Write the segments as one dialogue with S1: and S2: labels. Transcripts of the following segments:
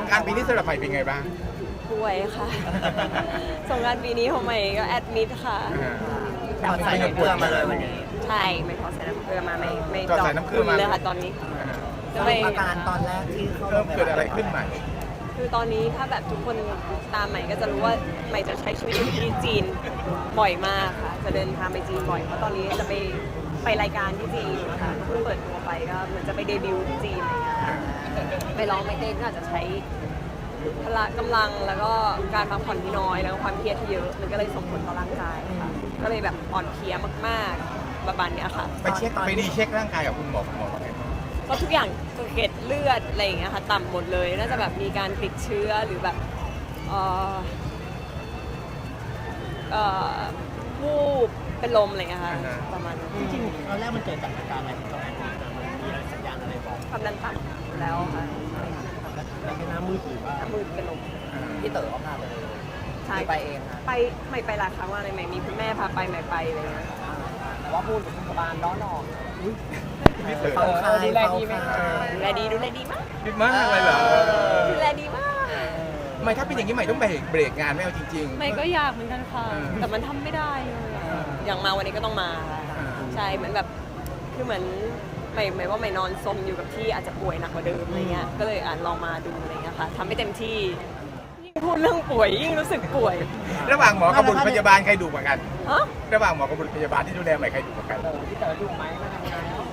S1: กรานต์ปีนี้สำหรับใหม่เป็นไงบ้าง
S2: ป่วยค่ะ สงกรานต์ปีนี้ของใหม่ก็แอดมิดค่ะ
S3: ถอดใส่น้ำเกลือมาเลยวันนี้
S2: ใช่ไม่ขอใส่น้ำเกลือมาไม่
S1: ถอดใส่น้ำเกลือมา
S2: เลยค่ะตอนนี้
S3: สรุปอาการตอนแรกที่เข้าโร
S1: เริ่
S3: ง
S1: ม
S3: พยาบาล
S1: เกิดอะไรขึ้นใหม่
S2: คือตอนนี้ถ้าแบบทุกคนตามใหม่ก็จะรู้ว่าใหม่จะใช้ชีวิตอยู่ที่จีนบ่อยมากค่ะ จะเดินทางไปจีนบ่อยเพราะตอนนี้จะไปรายการที่จีนค่ะเพิ่งเปิดตัวไปก็เหมือนจะไปเดบิวต์ที่จีนอะไรอย่างเงี้ยค่ะไปร้องไม่เต้นก็อาจจะใช้พละกำลังแล้วก็การพักผ่อนที่น้อยแล้วก็ความเครียดที่เยอะมันก็เลยส่งผลต่อร่างกายค่ะก็เลยแบบอ่อนเพลียมากๆประมาณเนี้ยค่ะ
S1: ไปเช็คไปดีเช็คร่างกายกับคุณหมอว่าไงบ้าง
S2: ก็ทุกอย่างเกล็ดเลือดอะไรอย่างเงี้ยค่ะต่ำหมดเลยน่าจะแบบมีการติดเชื้อหรือแบบวูบเป็นลมอะไรอย่างเงี้ยค่ะประมาณนั้น
S4: จริงๆตอนแรกมันเกิดจากอาการอะไรของตัวแอนนี่นะมันมีอะไรสัญญาณอะไรบอก
S2: ความดันต่ำอยู่แล้วค่ะ
S4: แล้วเป็นหน้ามืดหรือว่า
S2: มือเป็นลม
S3: พี่เต๋อเขาพาไปเลย
S2: ใช่
S3: ไปเองค่ะ
S2: ไปไม่ไปหลายครั้งว่าอะไรใหม่มีคุณแม่พาไปใหม่ไปอะไรอย่างเงี้ย
S3: แต่ว่าพูดถึงพยาบาลร้อนออก
S1: พี่เต๋อ
S3: เฝ้าคาย
S2: ดูแล
S3: เฝ้า
S2: ดีไหม
S3: คาย
S2: ดูแลดีมาก
S1: คิดมากเลยเหรอ
S2: ดูแลดีมาก
S1: ไม่ถ้าเป็นอย่างนี้ใหม่ต้องเบรกงานไม่เอาจริงๆ
S2: ใหม่ก็อยากเหมือนกันค่ะ แต่มันทำไม่ได้เลยอย่างมาวันนี้ก็ต้องมาค่ะใช่เหมือนแบบคือเหมือนใหม่ว่าใหม่นอนซมอยู่กับที่อาจจะป่วยหนักกว่าเดิมอะไรเงี้ยก็เลยลองมาดูอะไรเงี้ยค่ะทำให้เต็มที่ยิ่งพูดเรื่องป่วยยิ่งรู้สึกป่วย
S1: ระหว่างหมอกับบุรุษพยาบาลใครดุกว่ากัน
S2: ฮะ
S1: ระหว่างหมอกับบุรุษพยาบาลที่ดูแลใหม่ใครดุกว่ากัน
S3: พี่เต๋อดูไหมมาทำงานแล้ว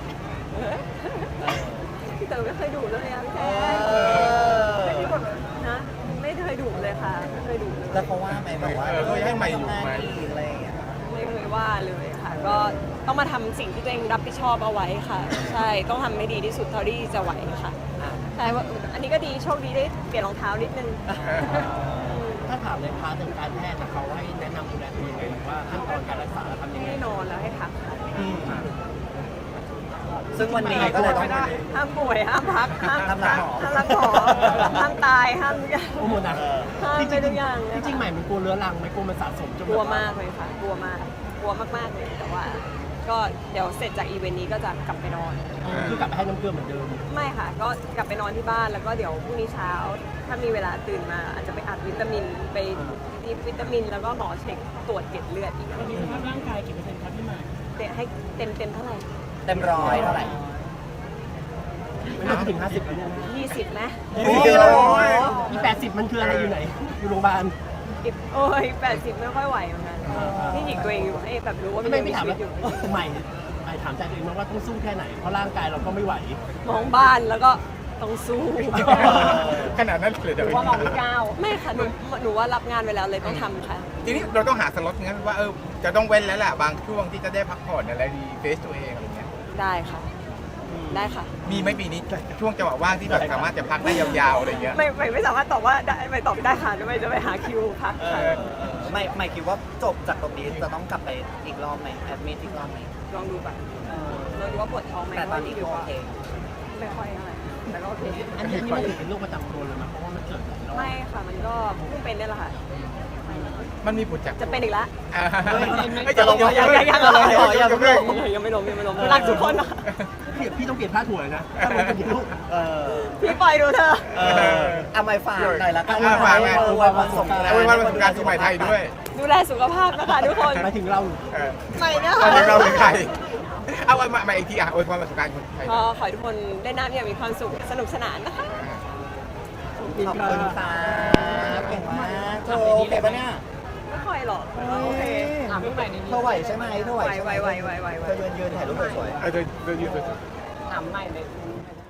S2: พี่เต๋อไม่เคยดุเลยอะพี่แจ๊ไม่มีคนนะไม่เคยดุเลยค่ะไม่เคยดุเลย
S3: แล้วเขาว่าไหมแบบว่า
S1: เขาให้ใหม่อยู่ไหม
S3: อะไรอย่างเงี้ย
S2: ไม่เคยว่าเลยค่ะ ก็ต้องมาทำสิ่งที่ตัวเองรับผิดชอบเอาไว้ค่ะ ใช่ต้องทำให้ดีที่สุดเท่าที่จะไหวค่ะใช่ว่าอันนี้ก็ดีโชคดีได้เปลี่ยนรองเท้านิดนึง
S4: ถ้าถามในพาร์ททางการแพทย์นะเขาให้แนะนำดูแลตัวเองไงหรือว่าขั้นตอนการรักษาทำยังไง
S2: ให้นอนแล้วให้พักค่ะ
S3: ซึ่งวันนี้ก็เลยต้อง
S2: ห้ามป่วยห้ามพักห้าม
S3: ห้ามรักหมอ
S2: ห้ามรักหมอห้ามตายห้ามทุกอย่าง
S4: โอ้โหนะ
S2: ห้าม
S4: จ
S2: ไป
S4: ริง
S2: ทุกอย่าง
S4: จริงๆใหม่มันกลัวเรื้อรังไหม่กลัวมันสะสมจน
S2: กลัวมากเลยค่ะ กลัวมากกลัวมากๆเลยแต่ว่า ก็เดี๋ยวเสร็จจากอีเวนต์นี้ก็จะกลับไปนอน
S4: คือกลับไปให้น้ำเกลือเหมือนเดิม
S2: ไม่ค่ะ ก็กลับไปนอนที่บ้านแล้วก็เดี๋ยวพรุ่งนี้เช้า ถ้ามีเวลาตื่นมา อาจจะไปอัดวิตามินไปดีวิตามิน แล้วก็หมอเช็คตรวจเกล็ดเลือดอีก
S4: ตอนนี้สภาพร่างกายกี่เปอร์เซ็นต์ครับพี่ใหม่
S2: ให้เต็มเท่าไหร่
S3: เต็มร้อยเท่าไหร่
S4: ไม่น่าจะถึง50แล้วเนี่ย
S2: 20ไหม
S3: โอ้ย
S4: มี80มันคืออะไรอยู่ไหน อยู่โรงพยาบาล
S2: โอ้ย80ไม่ค่อยไหวเหมือนกันนี่หยิกตัวเองอยู่ให้แบบรู้ว่ามัน
S4: ไม่
S2: ยังมี
S4: ถาม
S2: ชีวิ
S4: ว่า
S2: ตอยู่
S4: ใหม่ถามใจตัวเองว่าต้องสู้แค่ไหน เพราะร่างกายเราก็ไม่ไหว
S2: มองบ้านแล้วก็ต้องสู้
S1: ขนาดนั้นเลยเดี๋ยว
S2: ว่ามองก้าวไม่ค่ะหนูว่ารับงานไว้แล้วเลยต้องทำค่ะ
S1: ทีนี้เราต้องหาสล็อตงั้นว่าจะต้องเว้นแล้วแหละบางช่วงที่จะได้พักผ่อนอะไรดีเฟซตัวเองอะไรเงี้ย
S2: ได้ค่ะ ได้ค่ะ
S1: มีไหมปีนี้ช่วงจังหวะว่างที่แบบสามารถจะพักได้ยาวๆอะไรเงี้ย
S2: ไม่สามารถตอบว่าได้ไม่ตอบได้ค่ะไม่จะไปหาคิวพักค่ะ
S3: ไม่คิดว่าจบจากตรงนี้จะต้องกลับไปอีกรอบไหมแอดมิทอีกรอบไหม
S2: ลองดูก่อนลองดูว่าปวดท้องไหม
S3: แต่ตอนนี้ก็โอเค
S2: ไม่ค่อยอะไรแต่ก็โอเค
S4: อันนี้มันถือเป็นโรคประจำตัวเลยนะเพราะว่ามันเกิดหลายรอบ
S2: ไม่ค่ะมันก็เพิ่งเป็นนี่แหละค่ะ
S1: มันมีผลจาก
S2: จะเป็นอีกแล้ว
S1: ไม่จะลง
S2: ยังไม่ล้มรักทุกคนนะ
S4: พี่ต้องเปลี่ยนผ้าถั่วเลยนะถ้ามันเป็นลูก
S2: พี่ปล่อยดูเธอ
S3: เอาไม่ฝากหน่อยละกัน
S1: ฝากไง
S3: วันสงกรานต์
S1: เอาไว้วันสงกรานต์ปีใหม่ไทยด้วย
S2: ดูแลสุขภาพนะคะทุกคน
S4: หมายถึงเรา
S2: ไม่นะ
S1: ตอนนี้
S2: คะ
S1: เราเป็นใครเอามาอีกทีอวยพรวันสงกรานต์คนไทย
S2: ก็ขอให้ทุกคนได้น้ำอย่างมีความสุขสนุกสนานนะคะ
S3: ขอบคุณค่ะเก่งมากเธอโอเคปะเนี่ย
S2: ไม่ค่อยหรอกโอเค
S3: เธอไหวใช่ไหมเธอไหว
S2: ไหว
S3: เธอยืนถ่ายรูปสวยๆ
S1: โดยยืน
S2: ถามใหม่เลย